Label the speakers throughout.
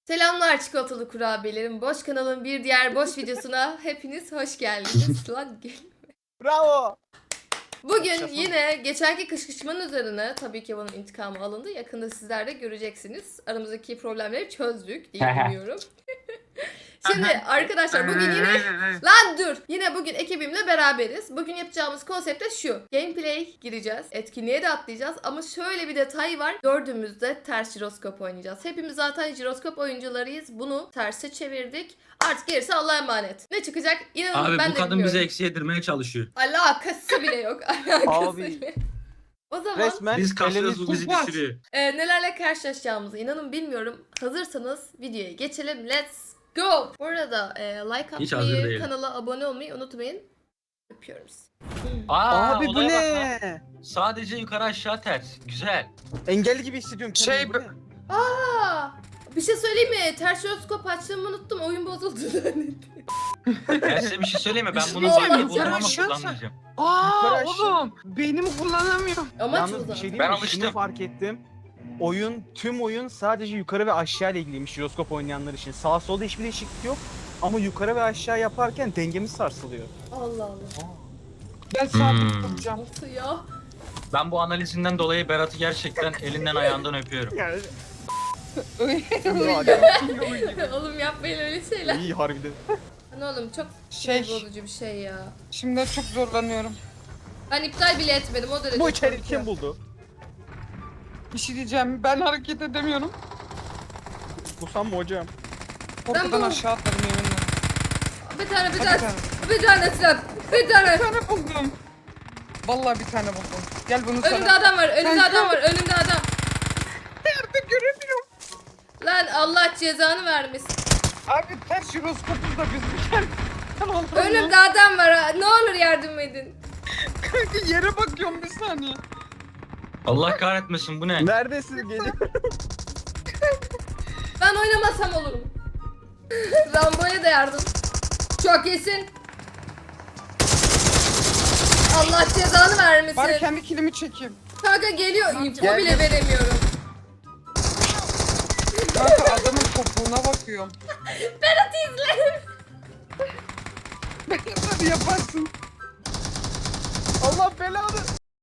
Speaker 1: Selamlar çikolatalı kurabiyelerim. Boş kanalın bir diğer boş videosuna hepiniz hoş geldiniz. Lan
Speaker 2: Bravo.
Speaker 1: bugün
Speaker 2: Yaşasın.
Speaker 1: yine geçenki kışkırtmanın üzerine tabii ki bunun intikamı alındı. Yakında sizler de göreceksiniz. Aramızdaki problemleri çözdük diye umuyorum. Şimdi arkadaşlar bugün yine... Lan dur! Yine bugün ekibimle beraberiz. Bugün yapacağımız konsept de şu. Gameplay gireceğiz. Etkinliğe de atlayacağız. Ama şöyle bir detay var. Dördümüz de ters jiroskop oynayacağız. Hepimiz zaten jiroskop oyuncularıyız. Bunu terse çevirdik. Artık gerisi Allah'a emanet. Ne çıkacak? İnanın
Speaker 3: Abi
Speaker 1: ben
Speaker 3: bu
Speaker 1: de
Speaker 3: kadın
Speaker 1: bilmiyorum.
Speaker 3: bize eksi yedirmeye çalışıyor.
Speaker 1: Alakası bile yok. Alakası
Speaker 2: Abi.
Speaker 1: bile. O zaman
Speaker 2: Resmen
Speaker 3: Biz kasıyoruz
Speaker 2: elimiz
Speaker 3: bu bizi
Speaker 2: tutmaz.
Speaker 3: düşürüyor.
Speaker 1: nelerle karşılaşacağımızı inanın bilmiyorum. Hazırsanız videoya geçelim. Let's go! Bu arada like
Speaker 3: Hiç hazır
Speaker 1: atmayı,
Speaker 3: değilim.
Speaker 1: kanala abone olmayı unutmayın. Öpüyoruz.
Speaker 2: Abi bu
Speaker 3: olaya bak lan.
Speaker 2: ne?
Speaker 3: Sadece yukarı aşağı ters. Güzel.
Speaker 2: Engelli gibi hissediyorum kendimi. Bu ne?
Speaker 1: Aa, bir şey söyleyeyim mi? Ters jiroskop açtığımı unuttum. Oyun bozuldu zannettim.
Speaker 3: Ben size bir şey söyleyeyim mi? Ben bunu
Speaker 1: Olmaz
Speaker 3: zaten
Speaker 1: ya.
Speaker 3: buldum ama
Speaker 4: Yaşasın.
Speaker 3: kullanmayacağım.
Speaker 2: Yukarı
Speaker 4: Aa
Speaker 2: aşağı.
Speaker 4: oğlum beynimi kullanamıyorum.
Speaker 1: Amaç bu
Speaker 2: Yalnız bir
Speaker 1: zaten.
Speaker 2: şey diyeyim
Speaker 3: Ben
Speaker 2: mi?
Speaker 3: alıştım.
Speaker 2: Şunu fark ettim. Tüm oyun sadece yukarı ve aşağı ile ilgiliymiş jiroskop oynayanlar için. Sağ solda hiçbir değişiklik yok. Ama yukarı ve aşağı yaparken dengemiz sarsılıyor.
Speaker 1: Allah Allah.
Speaker 4: Ben sabit
Speaker 3: Hmm.
Speaker 4: tutacağım.
Speaker 1: Nasıl ya?
Speaker 3: Ben bu analizinden dolayı Berat'ı gerçekten elinden ayağından öpüyorum.
Speaker 2: Yani
Speaker 1: Oğlum yapmayın öyle şeyler.
Speaker 2: iyi harbiden.
Speaker 1: Lan oğlum çok
Speaker 4: Şey,
Speaker 1: bozucu bir şey ya.
Speaker 4: şimdi çok zorlanıyorum.
Speaker 1: Ben iptal bile etmedim o derece.
Speaker 2: Bu içeriği
Speaker 1: korkuyorum.
Speaker 2: kim buldu?
Speaker 4: Bir şey diyeceğim. Ben hareket edemiyorum.
Speaker 2: Kusam mı hocam?
Speaker 4: Korkudan
Speaker 1: bu-
Speaker 4: aşağı atladım yeminle.
Speaker 1: Bir tane bir
Speaker 4: Hadi
Speaker 1: tane.
Speaker 4: tane.
Speaker 1: Bir tane silah. Bir tane.
Speaker 4: Bir tane buldum. Vallahi bir tane buldum. Gel bunu
Speaker 1: Önümde
Speaker 4: sana.
Speaker 1: adam var. Önümde
Speaker 4: Sen
Speaker 1: adam
Speaker 4: şu-
Speaker 1: var. Önümde adam.
Speaker 4: Nerede göremiyorum.
Speaker 1: Lan Allah cezanı vermesin.
Speaker 4: Abi ters jiroskopuz da biz bir kere.
Speaker 1: Önümde adam var. Ha. Ne olur yardım edin.
Speaker 4: Kanka yere bakıyorum bir saniye.
Speaker 3: Allah kahretmesin bu ne?
Speaker 2: Neredesin? Geliyor.
Speaker 1: Ben oynamasam olurum. Rambo'ya da yardım. Çok iyisin. Allah cezanı vermesin.
Speaker 4: Bari kendi kilimi çekeyim.
Speaker 1: Kanka geliyor. İnfo
Speaker 2: Gel,
Speaker 1: bile
Speaker 2: gel.
Speaker 1: veremiyorum.
Speaker 4: Kanka adamın topuğuna bakıyorum.
Speaker 1: Berat izle.
Speaker 4: Hadi yaparsın.
Speaker 2: Allah belanı.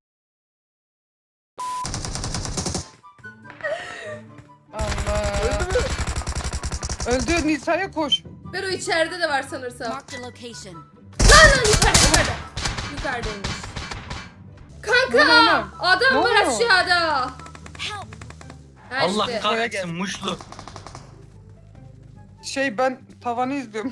Speaker 4: Allah.
Speaker 2: Öldü mü?
Speaker 4: Öldü Nisa'ya koş.
Speaker 1: Bero içeride de var sanırsam.
Speaker 5: Marked a location.
Speaker 1: Lan yukarıda. Yukarıdaymış.
Speaker 4: Ne
Speaker 1: Kanka
Speaker 4: oğlum?
Speaker 1: adam
Speaker 4: Ne
Speaker 1: var
Speaker 4: oluyor?
Speaker 1: aşağıda.
Speaker 5: Help!
Speaker 1: Ha
Speaker 3: Allah
Speaker 1: işte.
Speaker 3: kahretsin muşlu.
Speaker 4: Ben tavanı izliyorum.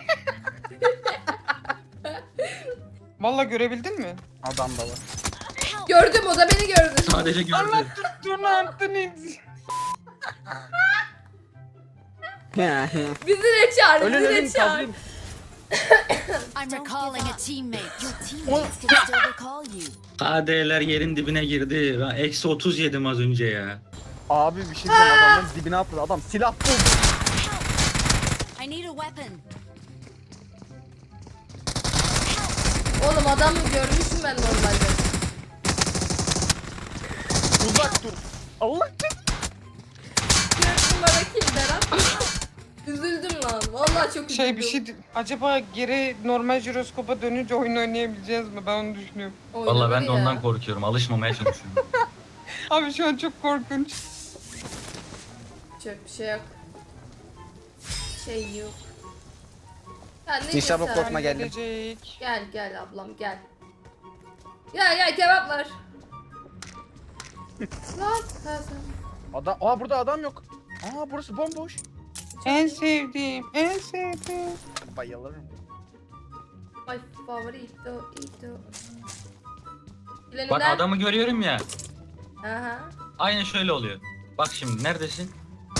Speaker 4: Vallahi görebildin mi?
Speaker 2: Adam da var.
Speaker 1: Gördüm o da beni gördü.
Speaker 3: Sadece gördü.
Speaker 4: Allah tuttuğunu attın iz.
Speaker 1: Bizi de çağır.
Speaker 2: Ölün
Speaker 1: Bizi
Speaker 2: ölün
Speaker 1: de çağır.
Speaker 2: kazıyım.
Speaker 5: I'm recalling a teammate. Your teammates can still recall you.
Speaker 3: KD'ler yerin dibine girdi. Ben eksi 30 yedim az önce ya.
Speaker 2: Abi bir şey diyeceğim adamın dibine atladı. Adam silah buldu.
Speaker 5: I need a weapon.
Speaker 1: Oğlum adamı görmüşüm ben normalde.
Speaker 2: Uzak dur. Allah
Speaker 1: Gördüm bana kim Berat. Üzüldüm lan. Vallahi çok üzüldüm.
Speaker 4: Acaba geri normal jiroskopa dönünce oyun oynayabileceğiz mi? Ben onu düşünüyorum.
Speaker 3: Vallahi ben de
Speaker 1: Oynanır ya.
Speaker 3: ondan korkuyorum. Alışmamaya çalışıyorum.
Speaker 4: Abi şu an çok korkunç.
Speaker 1: Çok bir şey yok. Şey yok. Ya ne
Speaker 2: Nişan
Speaker 1: diyorsun?
Speaker 2: korkma geldim.
Speaker 4: Gelecek.
Speaker 1: Gel gel ablam gel. Gel kebap var. Lan ha sen.
Speaker 2: Burada adam yok. Burası bomboş.
Speaker 4: En sevdiğim, en sevdiğim.
Speaker 2: Bayılırım.
Speaker 1: My favorito ito.
Speaker 3: Bak adamı görüyorum ya.
Speaker 1: Aha.
Speaker 3: Aynen şöyle oluyor. Bak şimdi neredesin?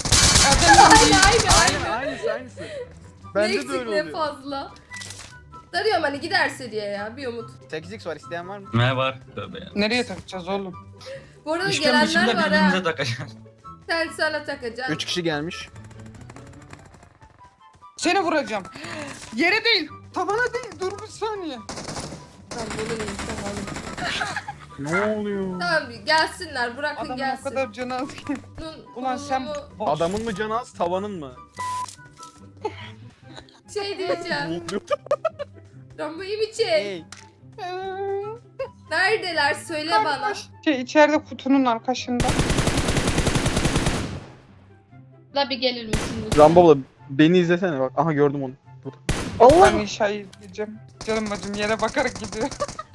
Speaker 1: Aynı.
Speaker 2: Aynısı.
Speaker 1: Ne
Speaker 2: Bende de
Speaker 1: eksik
Speaker 2: öyle
Speaker 1: ne
Speaker 2: oluyor.
Speaker 1: fazla. Darıyorum hani giderse diye ya bir umut.
Speaker 2: 8x var isteyen var mı?
Speaker 3: Ne var? Tövbe ya.
Speaker 4: Nereye takacağız oğlum?
Speaker 1: Bu arada
Speaker 3: Üçgen biçimde
Speaker 1: gelenler var ha.
Speaker 3: birbirimize takacağız.
Speaker 1: Sen sana takacaksın.
Speaker 2: 3 kişi gelmiş.
Speaker 4: Seni vuracağım. Yere değil, tavana değil. Dur bir saniye.
Speaker 1: Lan bunu insan alın.
Speaker 2: Ne oluyor?
Speaker 1: Tamam gelsinler bırakın
Speaker 4: Adam o
Speaker 1: gelsin.
Speaker 4: kadar canı az.
Speaker 1: Bunun
Speaker 4: Ulan sen
Speaker 1: kurulumu-
Speaker 4: boş.
Speaker 2: Adamın mı canı az, tavanın mı?
Speaker 1: şey diyeceğim.
Speaker 2: Mutlu.
Speaker 1: Rambo'yu bir çek.
Speaker 2: Hey.
Speaker 1: Neredeler söyle bana.
Speaker 4: Şey içeride kutunun arkasında.
Speaker 1: La bir gelir misin lütfen?
Speaker 2: Rambo abla beni izlesene bak. Aha gördüm onu. Burada.
Speaker 4: Ben inşayı izleyeceğim. Canım bacım yere bakarak gidiyor.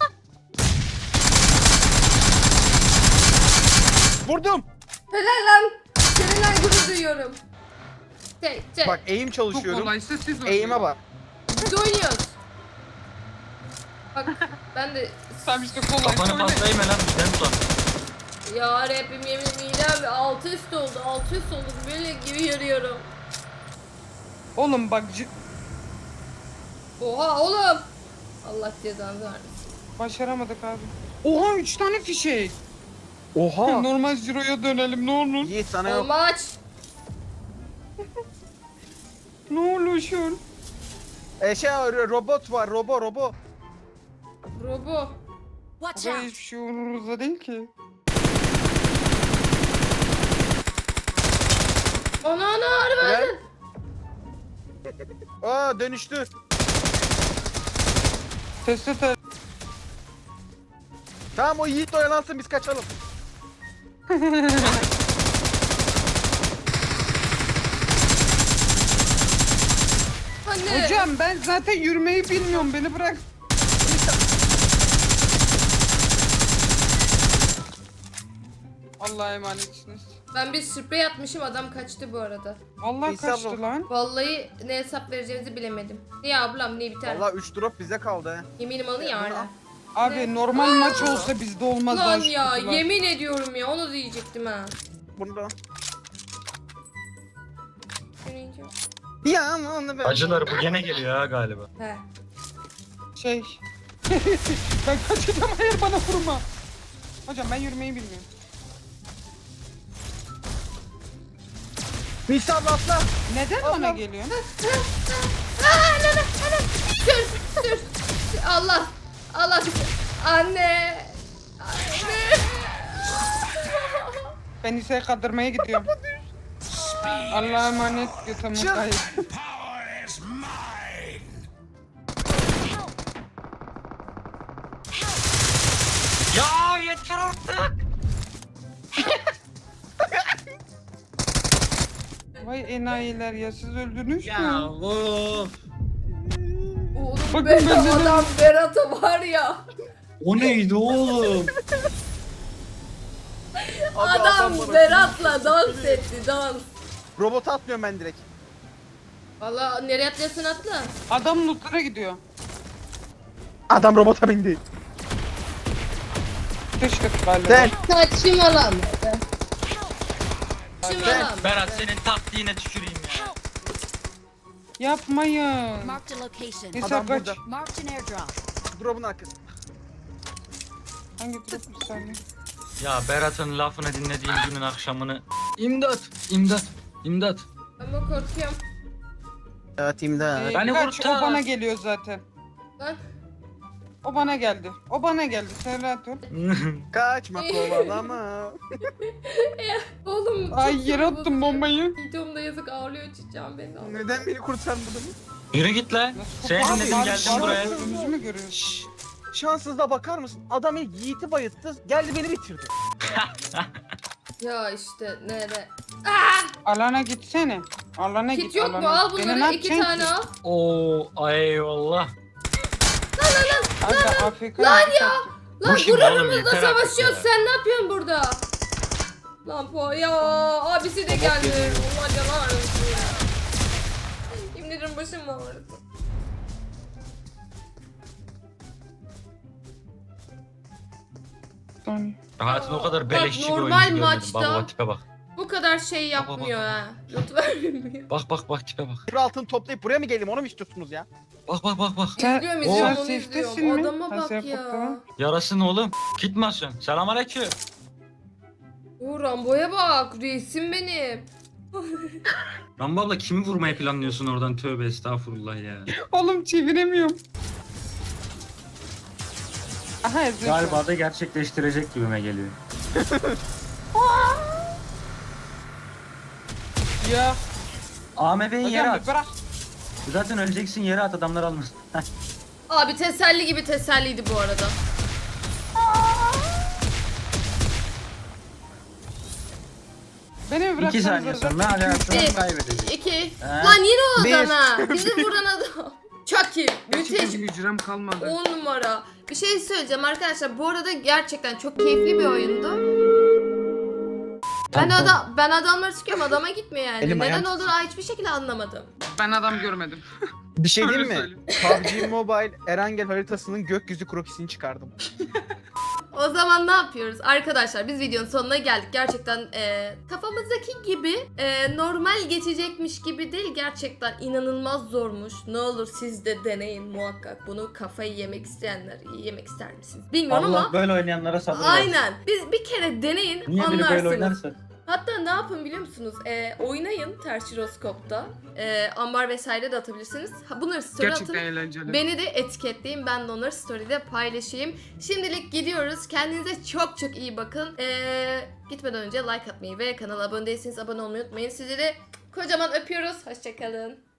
Speaker 2: Vurdum.
Speaker 1: Helal lan. Seninle gurur duyuyorum. Çek.
Speaker 2: Bak eğim
Speaker 4: Çok
Speaker 2: çalışıyorum.
Speaker 4: kolaysa siz
Speaker 2: Eğime bak.
Speaker 1: Biz oynuyoruz. Bak ben de
Speaker 4: Sen işte kolay.
Speaker 3: Kafanı
Speaker 4: söyle.
Speaker 3: patlayayım lan bizden sonra.
Speaker 1: ya Rabbim yemin midem altı üst oldu. Altı üst oldu. Böyle gibi yarıyorum.
Speaker 4: Oğlum bak
Speaker 1: Oha oğlum. Allah cezanı vermesin.
Speaker 4: başaramadık abi. Oha 3 tane fişek.
Speaker 2: Oha.
Speaker 4: Normal Ciro'ya dönelim ne olur.
Speaker 2: Yiğit sana yok.
Speaker 1: Olmaç.
Speaker 4: Ne olur şu.
Speaker 2: Robot var. Robo.
Speaker 1: Robo.
Speaker 5: Watch
Speaker 4: Burada
Speaker 5: out!
Speaker 4: hiçbir şey umurumuzda değil ki.
Speaker 1: Ana
Speaker 2: Helal.
Speaker 1: harbi.
Speaker 2: Aa dönüştü.
Speaker 4: Teste
Speaker 2: Tamam o Yiğit oyalansın biz kaçalım.
Speaker 1: Anne.
Speaker 4: Hocam ben zaten yürümeyi bilmiyorum beni bırak. Allah'a emanetsiniz.
Speaker 1: Ben bir sprey atmışım adam kaçtı bu arada.
Speaker 4: Allah
Speaker 2: İsa
Speaker 4: kaçtı
Speaker 2: abla.
Speaker 4: lan.
Speaker 1: Vallahi ne hesap vereceğimizi bilemedim. Niye ablam niye biter?
Speaker 2: Valla 3 drop bize kaldı he.
Speaker 1: Yeminim alın ya hala.
Speaker 4: Abi normal maç olsa bizde olmaz
Speaker 1: Lan
Speaker 4: daha şu
Speaker 1: ya
Speaker 4: kutular.
Speaker 1: yemin ediyorum ya onu diyecektim ha.
Speaker 2: Bunu da.
Speaker 1: Yürüyünce.
Speaker 2: Ya ama onu ben.
Speaker 3: Acıları bu gene geliyor ha galiba.
Speaker 1: He.
Speaker 4: Şey. Ben kaçacağım hayır bana vurma. Hocam ben yürümeyi bilmiyorum.
Speaker 2: Nisa abla atla.
Speaker 4: Neden bana geliyorsun?
Speaker 1: Dur. Allah. Allah. Anne. Anne.
Speaker 4: Ben ise kaldırmaya gidiyorum. Allah'a emanet götümü
Speaker 2: Çık.
Speaker 4: kayıp.
Speaker 3: Ya yeter artık.
Speaker 4: Vay enayiler ya siz öldünüz
Speaker 3: Ya
Speaker 4: mü?
Speaker 3: of.
Speaker 1: Oğlum
Speaker 4: Bakın
Speaker 1: be
Speaker 4: ben de-
Speaker 1: adam Berat'a var ya.
Speaker 3: O neydi oğlum?
Speaker 1: Adam
Speaker 2: bana-
Speaker 1: Berat'la dans etti dans.
Speaker 2: Robot atmıyorum ben direkt.
Speaker 1: Valla nereye atlıyorsun atla.
Speaker 4: Adam lootlara gidiyor.
Speaker 2: Adam robota bindi.
Speaker 4: Sıçtık galiba.
Speaker 2: Sen.
Speaker 1: Saçmalama. Saçmalama.
Speaker 3: Berat senin taktiğine tüküreyim ya.
Speaker 4: Yapmayın.
Speaker 5: Marked a location.
Speaker 4: İsa
Speaker 2: Adam
Speaker 4: kaç.
Speaker 2: burada.
Speaker 5: Marked an airdrop.
Speaker 2: Drop'un arkası.
Speaker 4: Hangi drop bir saniye?
Speaker 3: Ya Berat'ın lafını dinlediğim günün akşamını. İmdat, imdat, imdat.
Speaker 1: Ama korkuyorum.
Speaker 2: Evet imdat.
Speaker 3: Beni
Speaker 4: Kaç,
Speaker 3: kurtar.
Speaker 4: o bana geliyor zaten.
Speaker 1: Lan.
Speaker 4: O bana geldi. O bana geldi. Sen rahat ol.
Speaker 2: Kaçma kovalama.
Speaker 1: Oğlum. çok
Speaker 4: Ay yere
Speaker 1: sinir
Speaker 4: attım bombayı.
Speaker 1: Videomda yazık ağlıyor çiçeğim beni.
Speaker 2: Neden beni kurtarmadın?
Speaker 3: Yürü git lan. Seni
Speaker 4: Abi,
Speaker 3: dinledim
Speaker 4: abi,
Speaker 3: geldim
Speaker 4: bana
Speaker 3: buraya.
Speaker 4: önümüzü mü görüyorsun?
Speaker 2: Şşş. Şanssızlığa bakar mısın? Adam ilk Yiğit'i bayılttı. Geldi beni bitirdi.
Speaker 1: Ya işte nere?
Speaker 4: Alana gitsene. Alana
Speaker 1: Kit
Speaker 4: git.
Speaker 1: yok mu?
Speaker 4: alana.
Speaker 1: Al
Speaker 4: Beni ne
Speaker 1: bunları iki
Speaker 4: yapacaksın
Speaker 1: tane
Speaker 4: ki?
Speaker 1: al.
Speaker 3: Oo, eyvallah.
Speaker 4: Abi AFK
Speaker 1: Lan
Speaker 4: yapacak.
Speaker 1: ya! Lan
Speaker 3: Bu kim oğlum?
Speaker 1: gururumuzla
Speaker 3: Yeter artık
Speaker 1: savaşıyoruz.
Speaker 3: ya.
Speaker 1: Sen ne yapıyorsun burada? Lan po ya abisi de geldi. Allah canı ağrısın ya. Yemin ederim başım ağrıdı.
Speaker 4: Saniye.
Speaker 3: Hayatın o kadar
Speaker 1: Bak,
Speaker 3: beleşçi bir
Speaker 1: normal
Speaker 3: oyuncu görmedim.
Speaker 1: maçta-
Speaker 3: Bak bak tipe bak.
Speaker 1: Bu kadar şey
Speaker 3: Bak, bak,
Speaker 1: yapmıyor
Speaker 3: bak.
Speaker 1: ha. Not vermiyor.
Speaker 3: Bak bak bak tipe bak.
Speaker 2: Bir altını toplayıp buraya mı geleyim onu mu istiyorsunuz ya?
Speaker 3: Bak bak bak bak.
Speaker 4: Sen-
Speaker 1: İzliyorum
Speaker 3: Oo.
Speaker 1: izliyorum
Speaker 4: Sen
Speaker 1: onu
Speaker 4: safe'tesin
Speaker 1: izliyorum.
Speaker 4: mi?
Speaker 1: Adama
Speaker 4: Sen
Speaker 1: bak
Speaker 4: safe
Speaker 1: ya.
Speaker 4: baktın.
Speaker 3: Yarasın oğlum. Gitmezsin. Selamünaleyküm.
Speaker 1: O Rambo'ya bak. Reisim benim.
Speaker 3: Rambo abla kimi vurmayı planlıyorsun oradan? Tövbe estağfurullah ya.
Speaker 4: Oğlum çeviremiyorum. Aha ezdin şu an.
Speaker 3: Galiba da gerçekleştirecek gibime geliyor.
Speaker 4: Ya.
Speaker 3: AMV'yi yere
Speaker 4: Hocam
Speaker 3: at.
Speaker 4: bir bırak.
Speaker 3: Zaten öleceksin, yere at, adamlar almasın.
Speaker 1: Abi teselli gibi teselliydi bu arada.
Speaker 4: Beni mi
Speaker 3: 2
Speaker 4: bıraksanız
Speaker 3: saniye
Speaker 4: zaten
Speaker 3: sonra
Speaker 4: 2-3
Speaker 3: hayatını
Speaker 1: Bir.
Speaker 3: kaybedecek.
Speaker 1: 2.
Speaker 3: Ha.
Speaker 1: Lan yine o
Speaker 2: Bir.
Speaker 1: adam ha. Bizi vuran adam. Çok iyi. Müthiş.
Speaker 4: hücrem kalmadı.
Speaker 1: 10 numara. Bir şey söyleyeceğim arkadaşlar. Bu arada gerçekten çok keyifli bir oyundu. Ben adamları sıkıyorum, adama gitmiyor yani.
Speaker 2: Elim
Speaker 1: Neden
Speaker 2: ayağım
Speaker 1: olduğunu hiçbir şekilde anlamadım.
Speaker 4: Ben adam görmedim.
Speaker 2: Bir şey diyeyim
Speaker 4: Öyle
Speaker 2: mi? PUBG Mobile Erangel haritasının gökyüzü krokisini çıkardım.
Speaker 1: O zaman ne yapıyoruz? Arkadaşlar biz videonun sonuna geldik. Gerçekten kafamızdaki gibi normal geçecekmiş gibi değil. Gerçekten inanılmaz zormuş. Ne olur siz de deneyin muhakkak. Bunu kafayı yemek isteyenler yemek ister misiniz? Bilmiyorum
Speaker 3: Allah
Speaker 1: ama
Speaker 3: böyle oynayanlara sabır versin.
Speaker 1: aynen. Biz bir kere deneyin
Speaker 3: Niye biri böyle
Speaker 1: anlarsınız.
Speaker 3: oynarsa?
Speaker 1: Hatta ne yapın biliyor musunuz? Oynayın ters jiroskopta. Ambar vesaire de atabilirsiniz. Bunları story atın.
Speaker 4: eğlenceli.
Speaker 1: Beni de etiketleyin. Ben de onları story'de paylaşayım. Şimdilik gidiyoruz. Kendinize çok çok iyi bakın. Gitmeden önce like atmayı ve kanala abone değilseniz abone olmayı unutmayın. Sizleri kocaman öpüyoruz. Hoşçakalın.